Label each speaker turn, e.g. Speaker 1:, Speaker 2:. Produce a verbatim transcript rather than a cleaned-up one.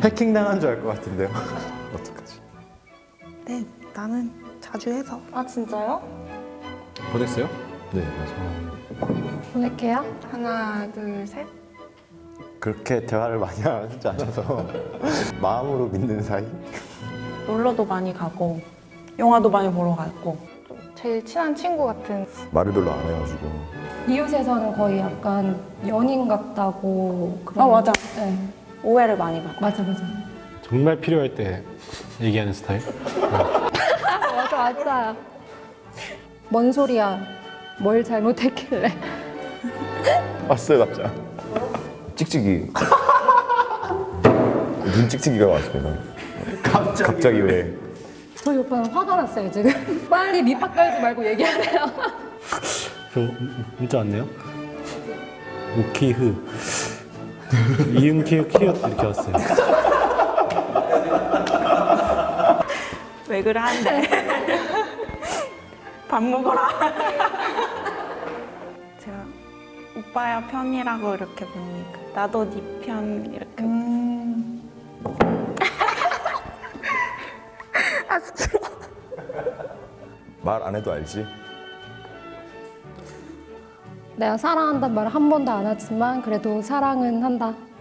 Speaker 1: 해킹당한 줄 알 것 같은데요. 어떡하지?
Speaker 2: 네, 나는 자주 해서.
Speaker 3: 아 진짜요?
Speaker 4: 보냈어요?
Speaker 1: 네, 맞아요.
Speaker 5: 보낼게요.
Speaker 2: 하나, 둘, 셋.
Speaker 1: 그렇게 대화를 많이 하지 않아서 마음으로 믿는 사이?
Speaker 3: 놀러도 많이 가고 영화도 많이 보러 갔고.
Speaker 2: 좀 제일 친한 친구 같은.
Speaker 1: 말을 별로 안 해가지고.
Speaker 5: 이웃에서는 거의 약간 연인 같다고. 그런
Speaker 3: 아 맞아.
Speaker 5: 네.
Speaker 3: 오해를 많이 받아.
Speaker 5: 맞아, 맞아.
Speaker 4: 정말 필요할 때 얘기하는 스타일?
Speaker 5: 맞아, 맞아. 뭔 소리야? 뭘 잘못했길래?
Speaker 1: 왔어요, 답장. 찍찍이. 눈 찍찍이가 왔습니다. 갑자기, 갑자기 왜?
Speaker 5: 저희 오빠는 화가 났어요, 지금. 빨리 밑밥 깔지 말고 얘기하래요.
Speaker 4: 저 문자 왔네요. 우키흐 이응 키읔 키읔 이렇게 왔어요.
Speaker 3: 왜 그래 한대. 밥 먹어라. 제가 오빠야 편이라고 이렇게 보니까 나도 네 편 이렇게.
Speaker 2: 음. 아, 진짜.
Speaker 1: 말 안 해도 알지?
Speaker 5: 내가 사랑한단 말을 한 번도 안 하지만 그래도 사랑은 한다.